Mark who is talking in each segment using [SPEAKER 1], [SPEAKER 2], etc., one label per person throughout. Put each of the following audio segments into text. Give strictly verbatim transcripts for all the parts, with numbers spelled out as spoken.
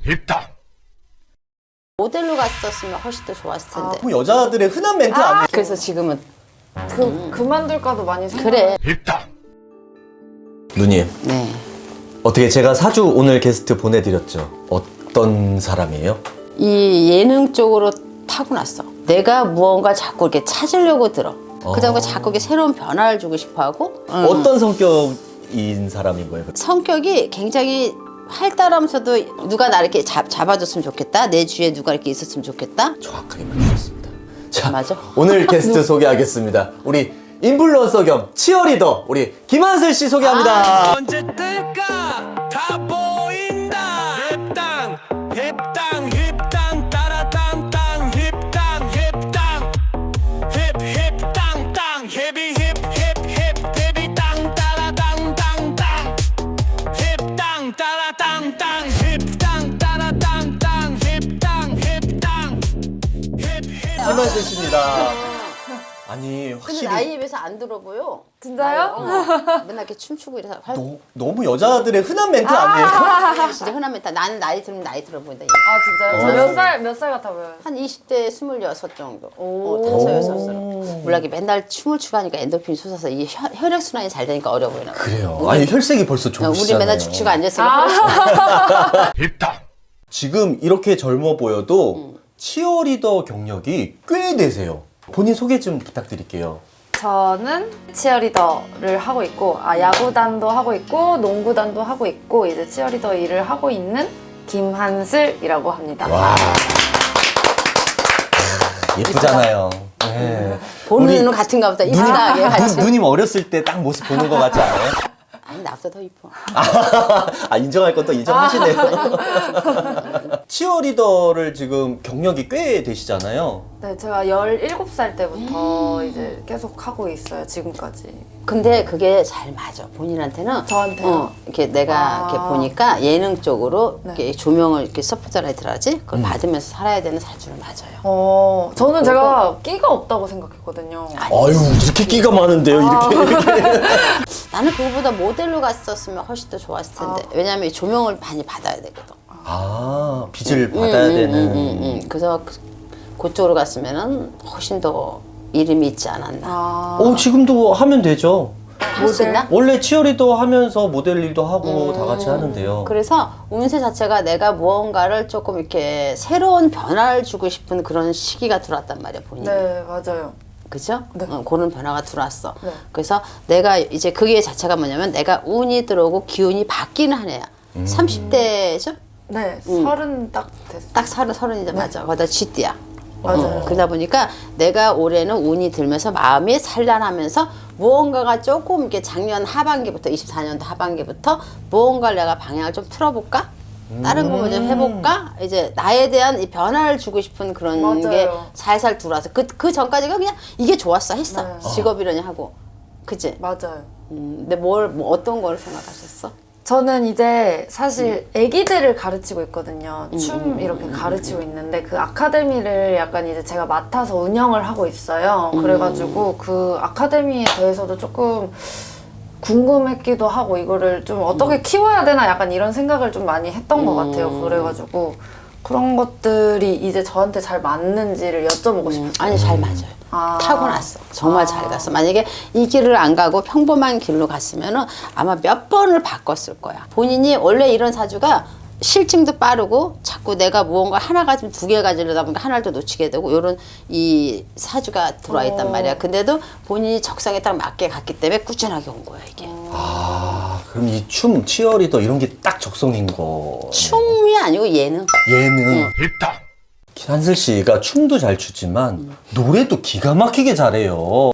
[SPEAKER 1] 입당.
[SPEAKER 2] 모델로 갔었으면 훨씬 더 좋았을 텐데.
[SPEAKER 3] 뭐 여자들의 흔한 멘트 아~ 아니에요?
[SPEAKER 2] 그래서 지금은
[SPEAKER 4] 그, 음. 그만둘까도 많이 생각.
[SPEAKER 2] 그래.
[SPEAKER 1] 입당.
[SPEAKER 3] 누님,
[SPEAKER 2] 네.
[SPEAKER 3] 어떻게 제가 사주 오늘 게스트 보내드렸죠? 어떤 사람이에요?
[SPEAKER 2] 이 예능 쪽으로 타고났어. 내가 무언가 자꾸 이렇게 찾으려고 들어. 그다음에 자꾸 이렇게 새로운 변화를 주고 싶어하고.
[SPEAKER 3] 어떤 성격인 사람인 거예요?
[SPEAKER 2] 성격이 굉장히 활달하면서도 누가 나 이렇게 잡, 잡아줬으면 좋겠다. 내 주위에 누가 이렇게 있었으면 좋겠다.
[SPEAKER 3] 정확하게 맞추셨습니다. 자,
[SPEAKER 2] 맞아?
[SPEAKER 3] 오늘 게스트 소개하겠습니다. 우리 인플루언서 겸 치어리더 우리 김한슬 씨 소개합니다.
[SPEAKER 1] 언제 뜰까? 다 보인다. 입당. 입당. 입당. 따라당. 땅. 입당. 입당. 힙. 힙당. 땅. 힙이 힙. 힙. 힙. 힙이 땅. 따라당. 땅. 땅. 힙당. 따라당. 땅. 힙당. 따라당. 땅. 힙당. 힙당. 힙. 힙.
[SPEAKER 3] 김한슬 씨입니다. 아니
[SPEAKER 2] 근데
[SPEAKER 3] 확실히
[SPEAKER 2] 나이에 비해서 안 들어 보여.
[SPEAKER 4] 진짜요?
[SPEAKER 2] 어, 맨날 이렇게 춤추고 이래서 활...
[SPEAKER 3] 너, 너무 여자들의 흔한 멘트 아니에요?
[SPEAKER 2] 진짜 흔한 멘트. 나는 나이 들면 나이 들어 보인다.
[SPEAKER 4] 아, 진짜요? 저 몇 살, 몇 살 같아 보여요?
[SPEAKER 2] 한 이십 대 스물여섯 정도.
[SPEAKER 4] 오.
[SPEAKER 2] 어, 다섯 여섯으로. 몰라 이게 맨날 춤을 추고 하니까 엔도핀이 솟아서 이 혈, 혈액 순환이 잘 되니까 어려 보이나 봐.
[SPEAKER 3] 그래요. 아니 혈색이 벌써
[SPEAKER 2] 어,
[SPEAKER 3] 좋으시잖아요.
[SPEAKER 2] 우리 맨날 죽치고 앉아있으니까.
[SPEAKER 1] 입당.
[SPEAKER 3] 지금 이렇게 젊어 보여도 치어리더 경력이 꽤 되세요. 본인 소개 좀 부탁드릴게요.
[SPEAKER 4] 저는 치어리더를 하고 있고, 아, 야구단도 하고 있고, 농구단도 하고 있고, 이제 치어리더 일을 하고 있는 김한슬이라고 합니다.
[SPEAKER 3] 와. 예쁘잖아요. 네.
[SPEAKER 2] 보는
[SPEAKER 3] 우리
[SPEAKER 2] 눈은 같은가 보다. 이쁘다. 얘 같이.
[SPEAKER 3] 누, 누님 어렸을 때 딱 모습 보는 것 같지 않아요?
[SPEAKER 2] 아니 나보다 더 이뻐.
[SPEAKER 3] 아, 인정할 건 또 인정하시네요. 치어리더를 지금 경력이 꽤 되시잖아요.
[SPEAKER 4] 네, 제가 열일곱 살 때부터 이제 계속 하고 있어요, 지금까지.
[SPEAKER 2] 근데 그게 잘 맞아. 본인한테는.
[SPEAKER 4] 저한테요?
[SPEAKER 2] 어, 이렇게 내가
[SPEAKER 4] 아.
[SPEAKER 2] 이렇게 보니까 예능 쪽으로
[SPEAKER 4] 네.
[SPEAKER 2] 이렇게 조명을 이렇게 서포트라이트라지 그걸 받으면서 살아야 되는 사주는 맞아요.
[SPEAKER 4] 어, 저는 제가 끼가 없다고 생각했거든요.
[SPEAKER 3] 아유, 이렇게 끼가 많은데요, 이렇게. 이렇게.
[SPEAKER 2] 나는 그거보다 모델로 갔었으면 훨씬 더 좋았을 텐데. 왜냐면 이 조명을 많이 받아야 되거든.
[SPEAKER 3] 아, 빚을 받아야
[SPEAKER 2] 음,
[SPEAKER 3] 되는.
[SPEAKER 2] 음, 음, 음. 그래서 그, 그쪽으로 갔으면은 훨씬 더 이름이 있지 않았나.
[SPEAKER 4] 아,
[SPEAKER 3] 어, 지금도 하면 되죠.
[SPEAKER 2] 할 수 있나?
[SPEAKER 3] 원래 치어리더 하면서 모델 일도 하고 다 같이 하는데요.
[SPEAKER 2] 그래서 운세 자체가 내가 무언가를 조금 이렇게 새로운 변화를 주고 싶은 그런 시기가 들어왔단 말이야, 본인이.
[SPEAKER 4] 네, 맞아요.
[SPEAKER 2] 그죠?
[SPEAKER 4] 네.
[SPEAKER 2] 어, 그런 변화가 들어왔어.
[SPEAKER 4] 네.
[SPEAKER 2] 그래서 내가 이제 그게 자체가 뭐냐면 내가 운이 들어오고 기운이 바뀌는 한 해야. 삼십 대죠?
[SPEAKER 4] 네, 서른 딱 됐어요.
[SPEAKER 2] 딱 서른, 서른이자 맞아. 거기다 쥐띠야.
[SPEAKER 4] 맞아요.
[SPEAKER 2] 어, 그러다 보니까 내가 올해는 운이 들면서 마음이 산란하면서 무언가가 조금 이렇게 작년 하반기부터 이십사 년도 하반기부터 무언가를 내가 방향을 좀 틀어볼까? 다른 거 뭐 좀 해볼까? 이제 나에 대한 이 변화를 주고 싶은 그런
[SPEAKER 4] 맞아요.
[SPEAKER 2] 게 살살 들어와서 그, 그 전까지가 그냥 이게 좋았어 했어.
[SPEAKER 4] 네.
[SPEAKER 2] 직업이려니 하고. 그치?
[SPEAKER 4] 맞아요.
[SPEAKER 2] 음, 근데 뭘, 뭐 어떤 걸 생각하셨어?
[SPEAKER 4] 저는 이제 사실 애기들을 가르치고 있거든요. 춤 이렇게 가르치고 있는데 그 아카데미를 약간 이제 제가 맡아서 운영을 하고 있어요. 그래가지고 그 아카데미에 대해서도 조금 궁금했기도 하고 이거를 좀 어떻게 키워야 되나 약간 이런 생각을 좀 많이 했던 것 같아요. 그래가지고 그런 것들이 이제 저한테 잘 맞는지를 여쭤보고 싶었어요.
[SPEAKER 2] 아니, 잘 맞아요.
[SPEAKER 4] 아.
[SPEAKER 2] 타고났어. 정말 잘 갔어. 만약에 이 길을 안 가고 평범한 길로 갔으면은 아마 몇 번을 바꿨을 거야. 본인이 원래 이런 사주가 실증도 빠르고 자꾸 내가 무언가 하나 가지면 두 개 가지려다 보니까 하나를 더 놓치게 되고 이런 이 사주가 들어와 있단 말이야. 근데도 본인이 적성에 딱 맞게 갔기 때문에 꾸준하게 온 거야, 이게.
[SPEAKER 3] 아, 그럼 이 춤, 치어리더 이런 게 딱 적성인 거.
[SPEAKER 2] 춤이 아니고 예능.
[SPEAKER 3] 예능.
[SPEAKER 1] 입당.
[SPEAKER 3] 한슬 씨가 춤도 잘 추지만 노래도 기가 막히게 잘해요.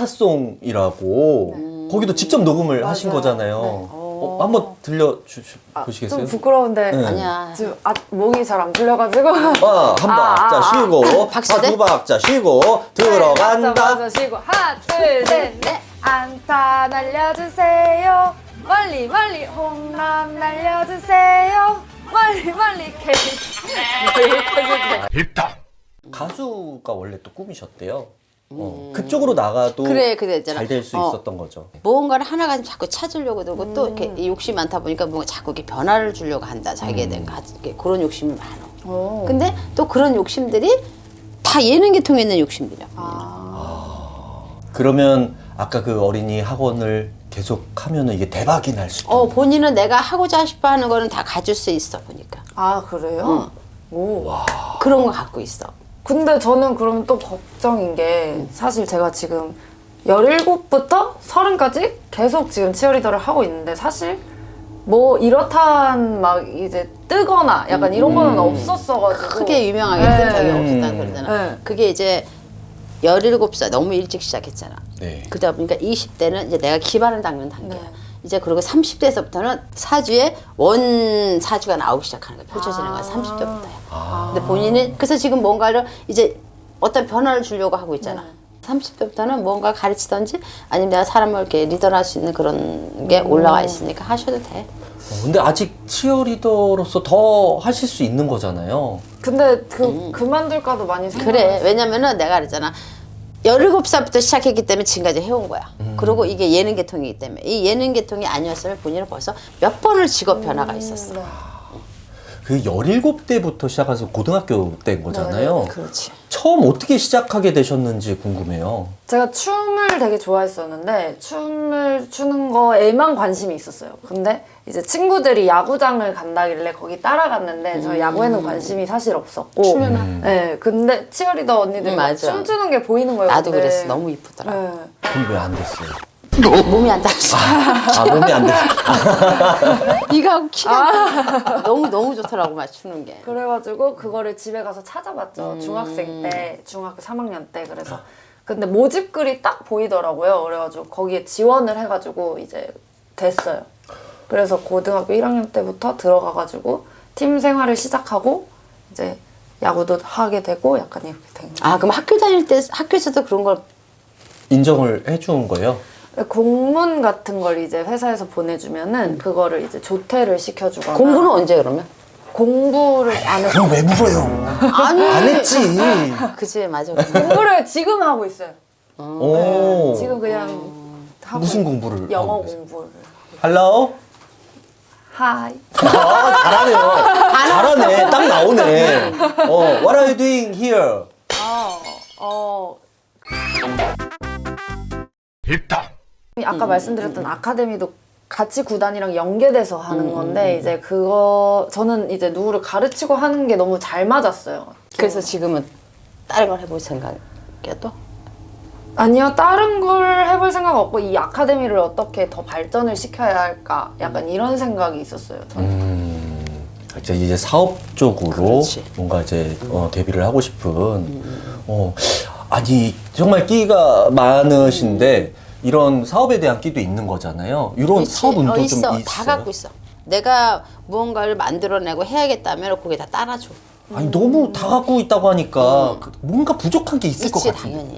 [SPEAKER 3] 안타송이라고 거기도 직접 녹음을 하신
[SPEAKER 4] 맞아요.
[SPEAKER 3] 거잖아요.
[SPEAKER 4] 네.
[SPEAKER 3] 어, 한번 들려 주,
[SPEAKER 4] 아,
[SPEAKER 3] 보시겠어요?
[SPEAKER 4] 좀 부끄러운데
[SPEAKER 3] 네.
[SPEAKER 2] 아니야.
[SPEAKER 4] 지금 아, 목이 잘 안 풀려가지고
[SPEAKER 3] 아, 한
[SPEAKER 4] 아,
[SPEAKER 3] 박자
[SPEAKER 4] 아,
[SPEAKER 3] 쉬고,
[SPEAKER 2] 박수
[SPEAKER 3] 아,
[SPEAKER 2] 돼?
[SPEAKER 3] 두 박자 쉬고, 들어간다.
[SPEAKER 4] 맞아, 맞아, 쉬고 하나 둘셋넷 안타 날려주세요 멀리 멀리 홈런 날려주세요 멀리 멀리 캐치
[SPEAKER 1] 입당.
[SPEAKER 3] 가수가 원래 또 꿈이셨대요. 어, 그쪽으로 나가도
[SPEAKER 2] 그래, 그래, 있잖아.
[SPEAKER 3] 잘 될 수
[SPEAKER 2] 어.
[SPEAKER 3] 있었던 거죠.
[SPEAKER 2] 무언가를 하나가 좀 자꾸 찾으려고 들고 또 이렇게 이 욕심이 많다 보니까 뭔가 자꾸 이렇게 변화를 주려고 한다. 자기에 대한 가- 이렇게 그런 욕심이 많아.
[SPEAKER 4] 오.
[SPEAKER 2] 근데 또 그런 욕심들이 다 예능 계통에 있는 욕심들이야.
[SPEAKER 3] 그러면 아까 그 어린이 학원을 계속 하면은 이게 대박이 날 수 있다.
[SPEAKER 2] 어, 본인은 내가 하고자 싶어 하는 거는 다 가질 수 있어, 보니까.
[SPEAKER 4] 아 그래요? 오.
[SPEAKER 2] 그런 거 갖고 있어.
[SPEAKER 4] 근데 저는 그럼 또 걱정인 게 사실 제가 지금 열일곱부터 서른까지 계속 지금 치어리더를 하고 있는데 사실 뭐 이렇단 막 이제 뜨거나 약간 이런 거는 없었어가지고
[SPEAKER 2] 크게 유명하게
[SPEAKER 4] 네.
[SPEAKER 2] 뜬 적이 없었다는 소리잖아.
[SPEAKER 4] 네.
[SPEAKER 2] 그게 이제 열일곱 살 너무 일찍 시작했잖아.
[SPEAKER 3] 네.
[SPEAKER 2] 그러다 보니까 이십 대는 이제 내가 기반을 닦는 단계야.
[SPEAKER 4] 네.
[SPEAKER 2] 이제 그리고 삼십 대에서부터는 사주에 원 사주가 나오기 시작하는 거야. 펼쳐지는 거야. 삼십 대부터야. 근데 본인은 그래서 지금 뭔가를 이제 어떤 변화를 주려고 하고 있잖아. 삼십 대부터는 뭔가 가르치든지 아니면 내가 사람을 이렇게 리더를 할 수 있는 그런 게 올라와 있으니까 하셔도 돼.
[SPEAKER 3] 어, 근데 아직 치어리더로서 더 하실 수 있는 거잖아요.
[SPEAKER 4] 근데 그 그만둘까도 많이 생각.
[SPEAKER 2] 그래. 왜냐면은 내가 그랬잖아. 열일곱 살부터 시작했기 때문에 지금까지 해온 거야. 그리고 이게 예능 계통이기 때문에. 이 예능 계통이 아니었으면 본인은 벌써 몇 번을 직업 변화가 있었어.
[SPEAKER 3] 그 열일곱 대부터 시작해서 고등학교 때인 거잖아요.
[SPEAKER 2] 그렇지.
[SPEAKER 3] 처음 어떻게 시작하게 되셨는지 궁금해요.
[SPEAKER 4] 제가 춤을 되게 좋아했었는데 춤을 추는 거에만 관심이 있었어요. 근데 이제 친구들이 야구장을 간다길래 거기 따라갔는데 저 야구에는 관심이 사실 없었고.
[SPEAKER 2] 추면은?
[SPEAKER 4] 네. 근데 치어리더 언니들
[SPEAKER 2] 음,
[SPEAKER 4] 막
[SPEAKER 2] 맞아.
[SPEAKER 4] 춤추는 게 보이는 거예요.
[SPEAKER 2] 나도
[SPEAKER 4] 근데.
[SPEAKER 2] 그랬어. 너무 이쁘더라.
[SPEAKER 4] 네.
[SPEAKER 3] 그럼 왜 안 됐어요?
[SPEAKER 2] 몸이 안 따라서.
[SPEAKER 3] 아, 몸이 안 됐어요.
[SPEAKER 2] 이가 키가 너무 너무 좋더라고 맞추는 게.
[SPEAKER 4] 그래가지고 그거를 집에 가서 찾아봤죠.
[SPEAKER 2] 음.
[SPEAKER 4] 중학생 때, 중학교 삼 학년 때. 그래서 근데 모집글이 딱 보이더라고요. 그래가지고 거기에 지원을 해가지고 이제 됐어요. 그래서 고등학교 일 학년 때부터 들어가가지고 팀 생활을 시작하고 이제 야구도 하게 되고 약간 이렇게 된 거예요.
[SPEAKER 2] 아 그럼 학교 다닐 때 학교에서도 그런 걸
[SPEAKER 3] 인정을 해준 거예요?
[SPEAKER 4] 공문 같은 걸 이제 회사에서 보내주면은 그거를 이제 조퇴를 시켜주거나
[SPEAKER 2] 공부는 언제 그러면?
[SPEAKER 4] 공부를 안 했어요.
[SPEAKER 3] 그럼 왜 물어요?
[SPEAKER 2] 아니
[SPEAKER 3] 안 했지.
[SPEAKER 2] 그치 맞아.
[SPEAKER 4] 공부를 지금 하고 있어요.
[SPEAKER 3] 오.
[SPEAKER 4] 지금 그냥 하고
[SPEAKER 3] 무슨
[SPEAKER 4] 있-
[SPEAKER 3] 공부를
[SPEAKER 4] 영어
[SPEAKER 3] 하고 계세요?
[SPEAKER 4] 공부를.
[SPEAKER 3] Hello?
[SPEAKER 4] 하이.
[SPEAKER 3] 아, 잘하네요. 잘하네. 딱 나오네. 어, what are you doing here?
[SPEAKER 4] 어, 어.
[SPEAKER 1] 입당
[SPEAKER 4] 아까 말씀드렸던 아카데미도 같이 구단이랑 연계돼서 하는 건데 이제 그거 저는 이제 누구를 가르치고 하는 게 너무 잘 맞았어요.
[SPEAKER 2] 그래서 지금은 다른 걸 해볼 생각이야 또?
[SPEAKER 4] 아니요, 다른 걸 해볼 생각 없고 이 아카데미를 어떻게 더 발전을 시켜야 할까 약간 이런 생각이 있었어요. 저는.
[SPEAKER 3] 음, 이제 이제 사업 쪽으로
[SPEAKER 2] 그렇지.
[SPEAKER 3] 뭔가 이제 어, 데뷔를 하고 싶은. 어, 아니 정말 끼가 많으신데 이런 사업에 대한 끼도 있는 거잖아요. 이런
[SPEAKER 2] 있지.
[SPEAKER 3] 사업 운도
[SPEAKER 2] 어,
[SPEAKER 3] 좀
[SPEAKER 2] 있어.
[SPEAKER 3] 있어요.
[SPEAKER 2] 다 갖고 있어. 내가 무언가를 만들어내고 해야겠다면 거기에 다 따라줘.
[SPEAKER 3] 아니 너무 다 갖고 있다고 하니까 그 뭔가 부족한 게 있을 것
[SPEAKER 2] 있지
[SPEAKER 3] 같은데.
[SPEAKER 2] 당연히.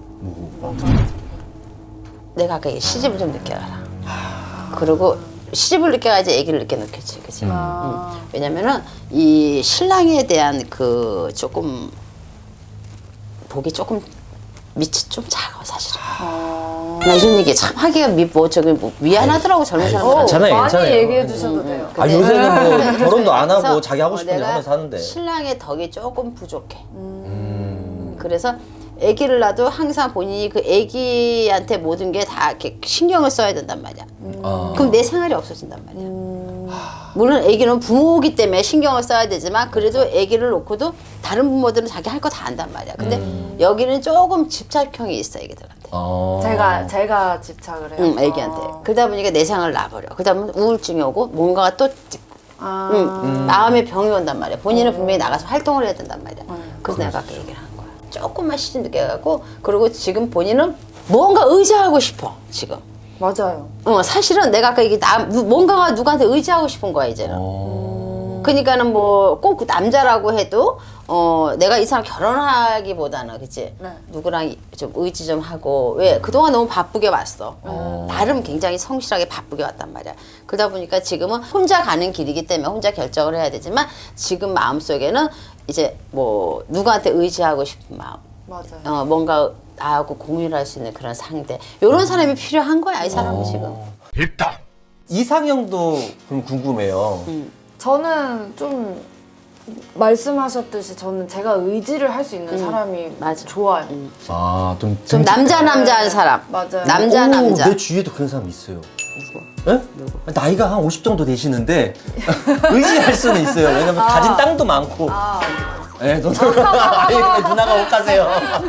[SPEAKER 2] 내가 아까 얘기 시집을 좀 늦게 가라. 그리고 시집을 늦게 가야지 아기를 늦게 낳겠지, 그치? 응. 왜냐면은 이 신랑에 대한 그 조금 복이 조금 밑이 좀 작아 사실은. 나 이런 얘기 참 하기가 미, 뭐 저기 뭐 미안하더라고 젊은 사람들.
[SPEAKER 3] 괜찮아요,
[SPEAKER 4] 많이
[SPEAKER 3] 괜찮아요.
[SPEAKER 4] 얘기해 주셔도 돼요.
[SPEAKER 3] 아
[SPEAKER 2] 근데-
[SPEAKER 3] 요새는 뭐 결혼도 안 하고
[SPEAKER 2] 그래서
[SPEAKER 3] 자기 하고
[SPEAKER 2] 어,
[SPEAKER 3] 싶은 일
[SPEAKER 2] 내가
[SPEAKER 3] 하면서 하는데.
[SPEAKER 2] 신랑의 덕이 조금 부족해. 그래서 아기를 낳아도 항상 본인이 그 아기한테 모든 게 다 이렇게 신경을 써야 된단 말이야.
[SPEAKER 3] 아.
[SPEAKER 2] 그럼 내 생활이 없어진단 말이야. 물론 아기는 부모이기 때문에 신경을 써야 되지만 그래도 아기를 놓고도 다른 부모들은 자기 할 거 다 한단 말이야. 근데 여기는 조금 집착형이 있어 아기들한테.
[SPEAKER 3] 아.
[SPEAKER 4] 제가 제가 집착을 해요.
[SPEAKER 2] 응, 아기한테.
[SPEAKER 4] 어.
[SPEAKER 2] 그러다 보니까 내 생활을 놔버려. 그러다 보면 우울증이 오고 뭔가가 또 찍고.
[SPEAKER 4] 아.
[SPEAKER 2] 응, 마음에 병이 온단 말이야. 본인은 분명히 나가서 활동을 해야 된단 말이야. 그래서 내가 아까 얘기를 한 거야. 조금만 시집 늦게 가고 그리고 지금 본인은 무언가 의지하고 싶어 지금.
[SPEAKER 4] 맞아요.
[SPEAKER 2] 어 사실은 내가 아까 얘기 나 뭔가가 누구한테 의지하고 싶은 거야 이제는.
[SPEAKER 3] 어.
[SPEAKER 2] 그러니까는 뭐 꼭 남자라고 해도 어 내가 이 사람 결혼하기보다는 그치
[SPEAKER 4] 네.
[SPEAKER 2] 누구랑 좀 의지 좀 하고 왜 그동안 너무 바쁘게 왔어. 나름 굉장히 성실하게 바쁘게 왔단 말이야. 그러다 보니까 지금은 혼자 가는 길이기 때문에 혼자 결정을 해야 되지만 지금 마음속에는 이제 뭐 누구한테 의지하고 싶은 마음.
[SPEAKER 4] 맞아요.
[SPEAKER 2] 어, 뭔가 나하고 공유를 할 수 있는 그런 상대. 이런 사람이 필요한 거야, 이 사람은
[SPEAKER 3] 어.
[SPEAKER 2] 지금.
[SPEAKER 1] 입당.
[SPEAKER 3] 이상형도 그럼 궁금해요.
[SPEAKER 4] 저는 좀 말씀하셨듯이 저는 제가 의지를 할 수 있는 사람이
[SPEAKER 2] 맞아.
[SPEAKER 4] 좋아요.
[SPEAKER 3] 아, 좀,
[SPEAKER 2] 좀 남자 남자한 사람.
[SPEAKER 4] 맞아요.
[SPEAKER 2] 남자
[SPEAKER 3] 오,
[SPEAKER 2] 남자.
[SPEAKER 3] 내 주위에도 그런 사람 있어요. 예? 나이가 한 오십 정도 되시는데 의지할 수는 있어요. 왜냐면 가진 땅도 많고.
[SPEAKER 4] 아,
[SPEAKER 3] 예, 너, 아니, 누나가 옷가세요.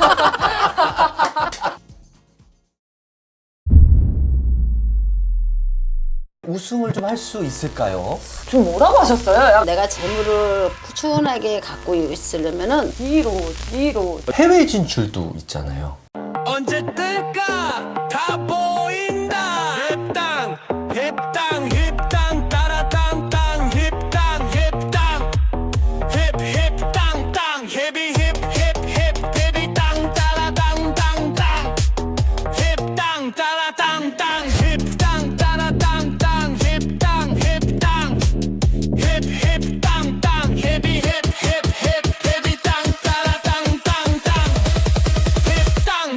[SPEAKER 3] 우승을 좀 할 수 있을까요?
[SPEAKER 4] 좀 뭐라고 하셨어요? 약간
[SPEAKER 2] 내가 재물을 꾸준하게 갖고 있으려면은
[SPEAKER 4] 뒤로 뒤로
[SPEAKER 3] 해외 진출도 있잖아요.
[SPEAKER 1] 언제 뜰까 다 보.